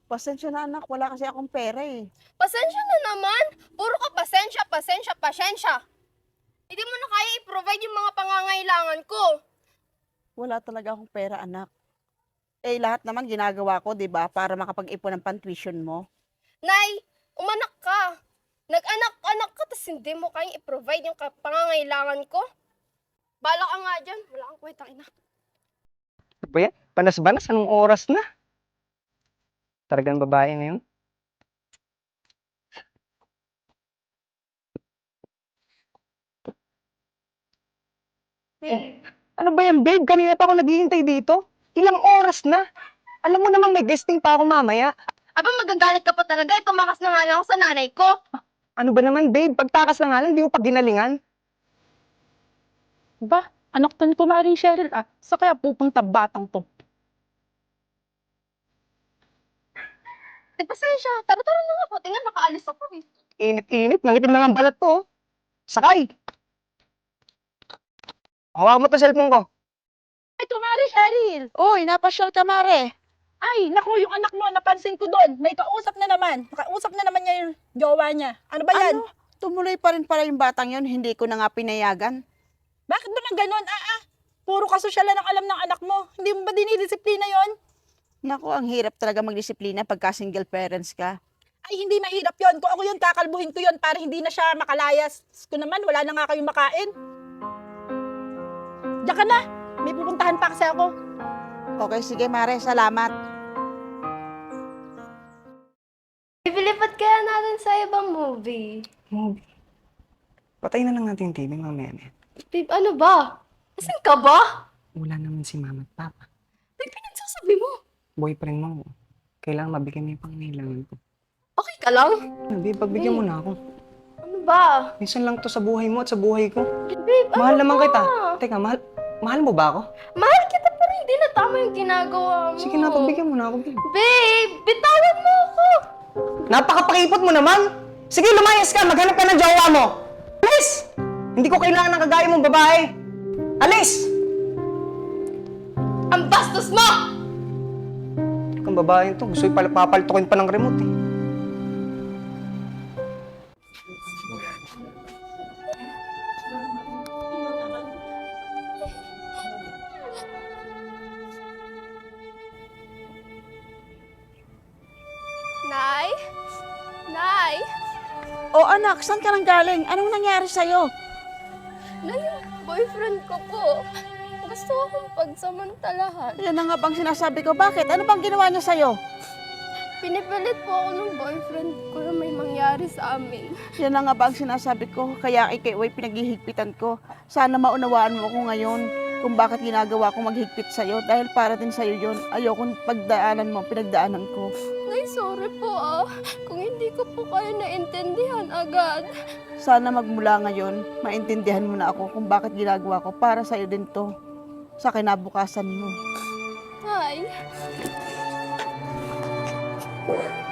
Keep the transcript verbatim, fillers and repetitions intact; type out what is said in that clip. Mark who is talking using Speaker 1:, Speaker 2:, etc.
Speaker 1: Pasensya na anak, wala kasi akong pera eh.
Speaker 2: Pasensya na naman. Puro ka pasensya, pasensya, pasensya. Hindi mo na kaya i-provide yung mga pangangailangan ko.
Speaker 1: Wala talaga akong pera anak. Eh lahat naman ginagawa ko, 'di ba, para makapag-ipon ng pan-tuition mo.
Speaker 2: Nay, umanak ka. Nag-anak-anak ka, tapos hindi mo kayang i-provide yung ka- pangangailangan ko. Bala ka nga dyan. Wala kang kwenta, ina.
Speaker 3: Ano ba yan? Panas-banas, anong oras na? Talagang babae na yun. Eh, ano ba yan, babe? Kanina pa ako naghihintay dito. Ilang oras na? Alam mo namang may guesting pa ako mamaya.
Speaker 2: Aba, magagalit ka pa talaga. Tumakas na nga lang ako sa nanay ko.
Speaker 3: Ano ba naman, babe? Pagtakas na nga lang, di mo pa ginalingan.
Speaker 4: Ba, anak to ni Kumaring Cheryl ah. Sa kaya pupunta batang to?
Speaker 2: Eh, pasensya. Tara-tara na nga po. Tingnan, nakaalis ako eh.
Speaker 3: Init-init, nangitim na nga ang balat to. oh. Sakay! Hawakan mo to cellphone ko.
Speaker 4: Ay, Kumaring Cheryl!
Speaker 1: Uy, napasyal ka mare.
Speaker 4: Ay, naku, yung anak mo, napansin ko doon. May kausap na naman. Nakausap na naman niya yung jowa niya. Ano ba yan?
Speaker 1: Ano? Tumuloy pa rin pala yung batang yon, hindi ko na nga pinayagan.
Speaker 4: Bakit naman ganun? Ah, ah. Puro kasosyalan ang alam ng anak mo. Hindi mo ba dinidisiplina yon?
Speaker 1: Naku, ang hirap talaga magdisiplina pagka single parents ka.
Speaker 4: Ay, hindi mahirap yon. Kung ako yun, kakalbuhin ko yon para hindi na siya makalayas. Ko naman, wala na nga kayong makain. Diyan ka na. May pupuntahan pa kasi ako.
Speaker 1: Okay, sige mare, salamat.
Speaker 2: Ipilipat kaya natin sa ibang movie.
Speaker 3: Movie. Patayin na lang natin yung T V mamaya na yan.
Speaker 2: Babe, ano ba? Asan ka ba?
Speaker 3: Wala naman si mama at papa.
Speaker 2: Babe, pinagsasabi mo.
Speaker 3: Boyfriend mo. Kailangan mabigyan mo yung pangangailangan ko.
Speaker 2: Okay ka lang?
Speaker 3: Ano, babe, pagbigyan mo na ako.
Speaker 2: Ano ba?
Speaker 3: Minsan lang to sa buhay mo at sa buhay ko.
Speaker 2: Babe, ano
Speaker 3: Mahal naman
Speaker 2: ba?
Speaker 3: kita. Teka, mahal, mahal mo ba ako?
Speaker 2: Mahal kita pero hindi na tama yung ginagawa mo.
Speaker 3: Sige na, pagbigyan mo na ako, babe.
Speaker 2: Babe, bitawan mo ako.
Speaker 3: Napakapakipot mo naman! Sige, lumayas ka! Maghanap ka ng jowa mo! Alis! Hindi ko kailangan ng kagaya mong babae! Alis!
Speaker 2: Ang bastos mo!
Speaker 3: Kung babae to, gusto yung papaltukin pa ng remote eh.
Speaker 2: Nay? Nay?
Speaker 1: O anak, saan ka nang galing? Anong nangyari sa'yo?
Speaker 2: Nay, yung boyfriend ko po. Gusto akong pagsamantalahan.
Speaker 1: Yan na nga bang sinasabi ko. Bakit? Ano bang ginawa niya sa'yo?
Speaker 2: Pinipilit po ako ng boyfriend ko na may mangyari sa amin.
Speaker 1: Yan na nga ba ang sinasabi ko, kaya kay Way pinaghihigpitan ko. Sana maunawaan mo ko ngayon kung bakit ginagawa ko maghigpit sa'yo. Dahil para din sa'yo yun. Ayokong pagdaanan mo, pinagdaanan ko.
Speaker 2: Nay, sorry po ah. Kung hindi ko po kayo naintindihan agad.
Speaker 1: Sana magmula ngayon, maintindihan mo na ako kung bakit ginagawa ko. Para sa'yo din to. Sa kinabukasan mo.
Speaker 2: Nay.